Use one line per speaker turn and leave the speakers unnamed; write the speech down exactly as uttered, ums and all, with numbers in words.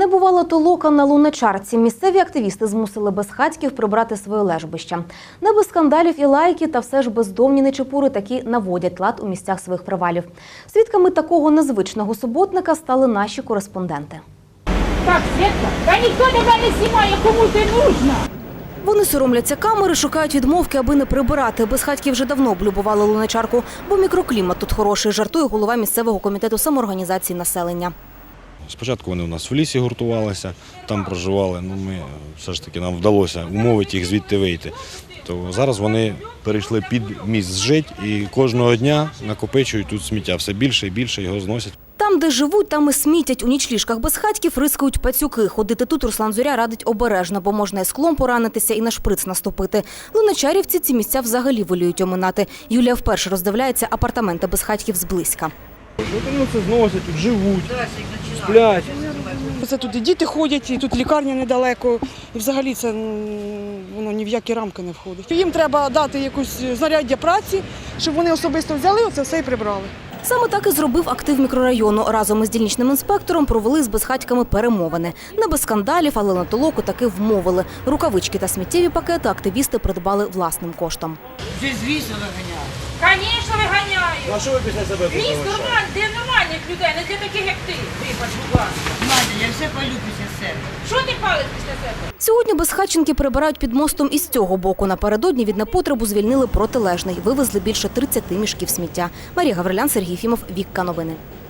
Не бувала толока на Луначарці. Місцеві активісти змусили безхатьків прибрати своє лежбище. Не без скандалів і лайки, та все ж бездомні нечепури таки наводять лад у місцях своїх привалів. Свідками такого незвичного суботника стали наші кореспонденти.
Так, Світка, та ніхто тебе не знімає, кому ти нужна.
Вони соромляться камери, шукають відмовки, аби не прибирати. Безхатьки вже давно облюбували Луначарку, бо мікроклімат тут хороший, жартує голова місцевого комітету самоорганізації населення.
Спочатку вони у нас в лісі гуртувалися, там проживали, ну ми все ж таки нам вдалося умовити їх звідти вийти. То зараз вони перейшли під міст жить і кожного дня накопичують тут сміття, все більше і більше його зносять.
Там, де живуть, там і смітять. У нічліжках безхатьків рискують пацюки. Ходити тут Руслан Зоря радить обережно, бо можна і склом поранитися, і на шприц наступити. Луначарівці ці місця взагалі воліють оминати. Юлія вперше роздивляється апартаменти безхатьків зблизька.
Ну, це зносять, тут живуть, сплять. Це тут і діти ходять, і тут лікарня недалеко. І взагалі це воно ні в які рамки не входить. Їм треба дати якусь знаряддя праці, щоб вони особисто взяли оце все і прибрали.
Саме так і зробив актив мікрорайону. Разом із дільничним інспектором провели з безхатьками перемовини. Не без скандалів, але на толоку таки вмовили. Рукавички та сміттєві пакети активісти придбали власним коштом.
Ти звісно виганяю. Звісно, виганяю.
А що ви після себе тут
Міст
залишаєте?
нормальний, для нормальних людей, не для таких, як ти. Вибач, будь ласка. Надя, я все палю після себе. Що ти палиш після себе?
Сьогодні безхатченки прибирають під мостом із цього боку. Напередодні від непотребу звільнили протилежний. Вивезли більше тридцяти мішків сміття. Марія Гаврилян, Сергій Фімов, Вікка Новини.